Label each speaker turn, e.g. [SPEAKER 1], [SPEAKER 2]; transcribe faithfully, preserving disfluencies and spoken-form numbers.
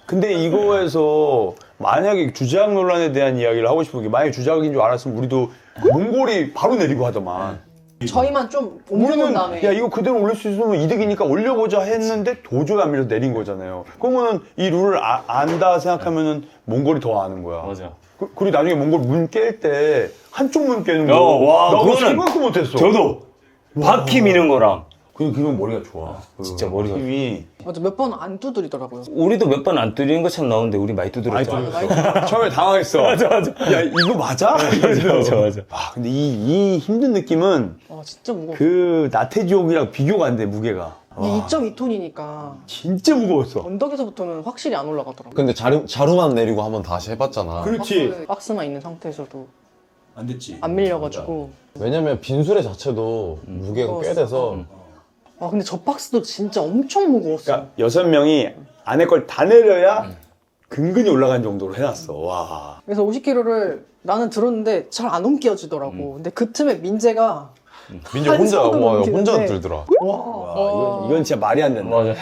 [SPEAKER 1] 근데 이거에서 만약에 주작 논란에 대한 이야기를 하고 싶은 게 만약에 주작인 줄 알았으면 우리도 몽골이 바로 내리고 하더만.
[SPEAKER 2] 저희만 좀 옮겨놓은
[SPEAKER 1] 우리는
[SPEAKER 2] 다음에
[SPEAKER 1] 야 이거 그대로 올릴 수 있으면 이득이니까 올려보자 했는데 도저히 안 밀려 내린 거잖아요. 그러면은 이 룰을 아, 안다 생각하면은 몽골이 더 아는 거야.
[SPEAKER 3] 맞아.
[SPEAKER 1] 그, 그리고 나중에 몽골 문 깰 때 한쪽 문 깨는 거.
[SPEAKER 3] 어, 와,
[SPEAKER 1] 나 그거
[SPEAKER 3] 그거는
[SPEAKER 1] 생각도 못했어.
[SPEAKER 3] 저도 바퀴 미는 거랑
[SPEAKER 1] 그 그건 머리가 좋아. 그
[SPEAKER 3] 진짜 머리가
[SPEAKER 1] 힘이.
[SPEAKER 2] 맞아 몇 번 안 두드리더라고요.
[SPEAKER 3] 우리도 몇 번 안 뚫리는 것처럼 나오는데 우리 많이 두드렸잖아.
[SPEAKER 1] 처음에 당황했어. 맞아 맞아. 야 이거 맞아?
[SPEAKER 3] 맞아 맞아 맞아.
[SPEAKER 1] 아 근데 이, 이 힘든 느낌은
[SPEAKER 2] 아 진짜 무거워.
[SPEAKER 1] 그 나태지옥이랑 비교가 안 돼 무게가.
[SPEAKER 2] 이게 이 점 이 톤이니까
[SPEAKER 1] 진짜 무거웠어.
[SPEAKER 2] 언덕에서부터는 확실히 안 올라가더라고요.
[SPEAKER 4] 근데 자루, 자루만 내리고 한번 다시 해봤잖아.
[SPEAKER 1] 그렇지.
[SPEAKER 2] 박스, 박스만 있는 상태에서도
[SPEAKER 1] 안 됐지.
[SPEAKER 2] 안 밀려가지고.
[SPEAKER 4] 왜냐면 빈수레 자체도 무게가 꽤 돼서
[SPEAKER 2] 아 근데 저 박스도 진짜 엄청 무거웠어.
[SPEAKER 1] 그러니까 여섯 명이 안에 걸 다 내려야 근근히 올라간 정도로 해놨어. 와.
[SPEAKER 2] 그래서 오십 킬로그램를 나는 들었는데 잘 안 옮겨지더라고. 근데 그 틈에 민재가
[SPEAKER 4] 민재
[SPEAKER 2] 한
[SPEAKER 4] 혼자
[SPEAKER 2] 손으로
[SPEAKER 4] 와,
[SPEAKER 2] 넘기는데.
[SPEAKER 4] 혼자 들더라.
[SPEAKER 2] 와,
[SPEAKER 1] 와 이건, 이건 진짜 말이 안 된다.
[SPEAKER 3] 맞아.